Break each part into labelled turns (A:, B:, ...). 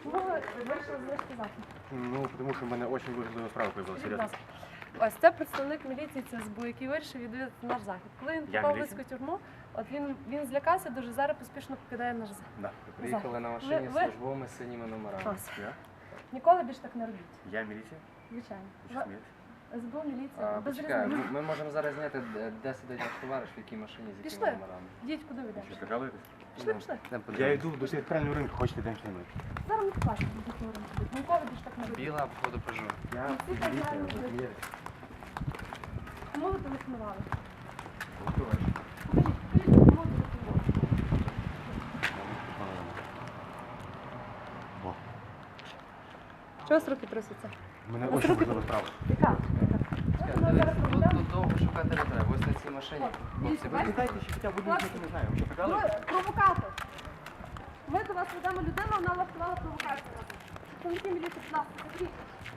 A: Чому ви вирішили залишити захід?
B: Ну, тому що в мене дуже важлива справа появилася,
A: Будь
B: серйозно.
A: ласка. Ось це представник міліції ЦСБУ, який вирішив відвідати наш захід. Коли він
B: Я
A: попав в
B: міліція?
A: Луцьку тюрму, от він злякався дуже, зараз поспішно покидає наш захід.
B: Да.
C: Приїхали на машині з службовими синіми номерами.
A: Ось.
B: Я?
A: Ніколи більше так не робіть.
B: Я міліція?
A: Звичайно.
B: Ви що смієте?
A: СБУ, міліція, без
C: Почекай,
A: різниці.
C: ми можемо зараз зняти, де сидить наш товариш, в якій машині, з
A: Пішли.
C: якими номерами.
A: Йдіть, куди ви йдете?
B: Що, прикалуєтесь?
A: Пішли, пішли.
B: Я йду до театрального ринку, хочете день знімати.
A: Зараз ми покажемо, де говоримо. Ніколи більше так не робіть.
C: Біла, походу, пожу.
B: Я
A: Всі так знаємо, що- Кому ви телефонували? Покажіть, кому ви телефонували? Чого з руки труситься?
B: У мене
A: Ось
B: дуже
A: руки-
B: важлива справа.
A: Яка?
C: Тут довго шукати не треба, ось на цій машині. Хлопці, ви
B: Дайте ще хоча б одну
A: Хлопці.
B: не знаю. Ви що, прикалуєтесь?
A: Ви провокатор. Ми до вас ведемо людину, вона влаштувала провокацію. Представники міліції, будь ласка, заберіть.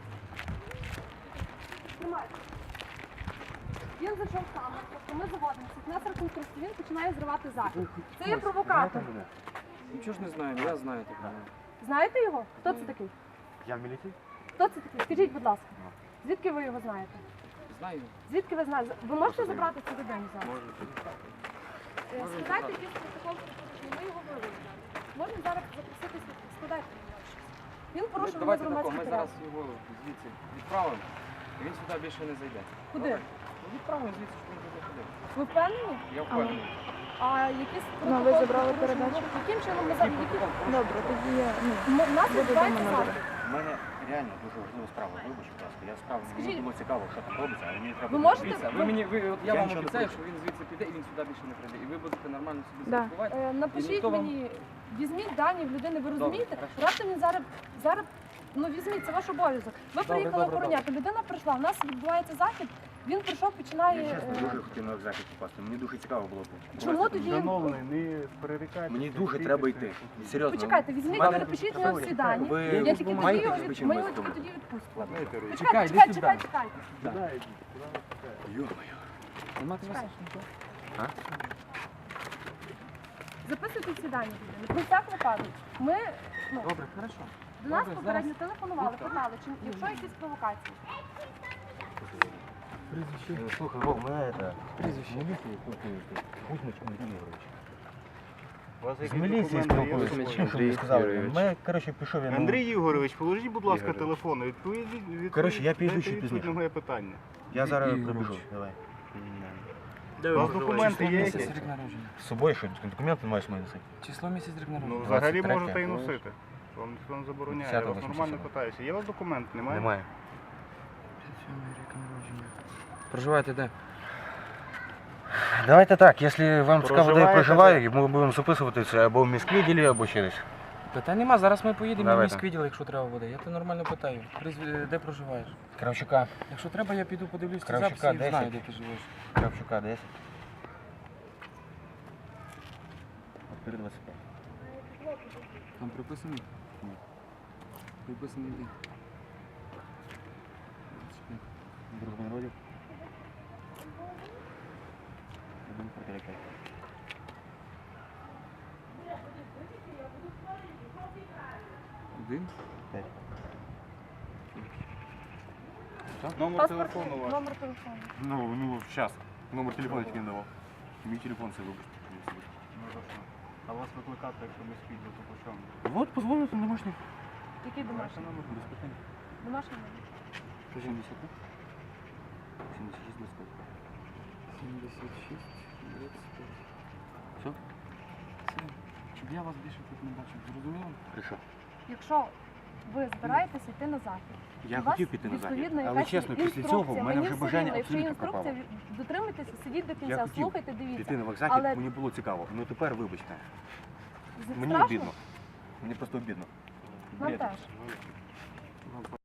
A: Тримайте. Він зайшов сам, тобто ми заводимося. У нас реконструкція, він починає зривати захід. Це є провокатор.
D: Нічого ж не знаю, я знаю тебе.
A: Знаєте його? Хто це такий?
B: Я в міліції?
A: Хто це такий? Скажіть, будь ласка. Звідки ви його знаєте?
D: Знаю.
A: Звідки ви знаєте? Ви можете забрати цю людину зараз?
D: Можу.
A: Складайте якийсь протокол, ми його вивели. Можемо зараз запросити, складайте. Він порушив
D: Давайте тако,
A: громадський
D: ми
A: порядок.
D: зараз його звідси відправимо, і він сюди більше не зайде.
A: Куди?
D: Добре? Ну, відправимо звідси, щоб він не заходив.
A: Ви впевнені?
D: Я впевнений.
A: А якісь
E: Ну, ви забрали
A: порушення?
E: передачу?
A: Яким чином ми зараз?
E: Добре, тоді я
A: У нас відбувається захід.
B: У мене реально дуже важлива справа. Вибач, будь ласка. Я справді мені
A: Скажіть.
B: було цікаво, що там робиться, але мені треба...
A: Ви можете?
D: Дивіться, ви мені, от я
B: Я
D: вам
B: нічого не
D: обіцяю,
B: проти.
D: що він звідси піде і він сюди більше не прийде. І ви будете нормально собі
E: Да.
D: спілкувати.
A: Напишіть
D: ніхто вам-
A: мені, візьміть дані в людини, ви розумієте?
D: хорошо.
A: Раптом він зараз, ну візьміть, це ваш обов'язок. Ви приїхали
D: добре,
A: охороняти, людина прийшла, у нас відбувається захід, він прийшов,
B: Я
A: починає...
B: чесно дуже хотів на захід попасти. Мені дуже цікаво було.
A: Чому тоді...
F: Шановний, не перерікайте.
B: Мені дуже треба йти. Серйозно.
A: Почекайте, візьміть,
B: Мене-
A: перепишіть його всі дані.
B: Ви
A: Я тільки тоді
B: маєте
A: його
B: якісь
A: ми його
B: причини
A: тільки тоді відпустимо.
D: Чекай,
A: Чекайте,
D: йди
A: чекайте,
D: сюди.
A: чекайте.
B: Йо-моє.
D: Нема тебе
A: Чекай.
B: А?
A: Записуйте всі дані людини. Про всяк випадок. Ми, ну,
D: Добре, хорошо.
A: до нас
D: Добре,
A: попередньо телефонували, питали, чи якщо якісь провокації.
B: Слухай, Вов, мене це... Прізвище. Міліції спілкуєшся. Кузьмич Андрій Ігорович.
F: У вас
B: З
F: які
B: міліції
F: документи є?
B: спілкуюся. Що ви сказали? Ми, коротше, пішов я...
F: Андрій Ігорович, положіть, будь ласка,
B: Ігорович.
F: телефон. Відповідь.
B: Коротше, я піду ще
F: відповідь
B: пізніше.
F: на моє питання.
B: Я зараз
D: Ігорович.
B: прибіжу. Давай.
F: У вас документи є
D: Місяць
F: якісь?
D: рік народження.
B: З собою що? Документи маєш мене носити?
D: Число місяць рік
F: Ну,
D: народження.
F: взагалі
B: 23-е.
F: можете і носити. Вам ніхто не забороняє. Я вас
B: 10-го,
F: нормально
B: 87-го.
F: питаюся. Є у вас документ? Немає?
B: Немає.
D: Рік народження. Проживаєте де?
B: Давайте так, якщо вам цікаво, де я
F: Проживаєте
B: проживаю, ми будемо записуватися або в міськвідділі, або ще десь.
D: Питань нема, зараз ми поїдемо в
B: Давайте.
D: міськвідділ, якщо треба буде. Я тебе нормально питаю. Де проживаєш?
B: Кравчука.
D: Якщо треба, я піду подивлюсь ці
B: Кравчука,
D: записи і
B: 10.
D: знаю, де ти живеш.
B: Кравчука 10. Відкрити 25.
D: Там приписаний? Ні. Приписаний де?
B: Друг народів. Один протирекай.
D: Один?
B: 5.
F: Номер
A: Паспорт,
F: телефону ваш.
A: номер телефону.
B: Ну, зараз. Номер телефону тільки не давав. Мій телефон це вибачте.
F: А вас викликати, якщо ми спідли, то по чому?
B: Вот, позвоните домашній.
A: Який домашній?
B: Без питань.
A: Домашній номер.
B: 70. 76 25.
D: 76, 25.
B: Все?
D: Все. Щоб я вас більше тут не бачив, зрозуміло?
B: Хорошо.
A: Якщо ви збираєтеся йти на захід,
B: Я
A: у вас
B: хотів піти на захід,
A: відповідно
B: але
A: якась
B: чесно, після
A: інструкція.
B: цього в мене
A: Мені
B: вже
A: все
B: бажання
A: рівно, якщо є
B: абсолютно пропало.
A: інструкція, дотримуйтеся, сидіть до
B: Я
A: кінця,
B: хотів
A: слухайте, дивіться.
B: піти на захід,
A: Але-
B: мені було цікаво. Ну тепер вибачте. Мені
A: Страшно?
B: обідно. Мені просто обідно.
A: Нам
B: Бред.
A: теж.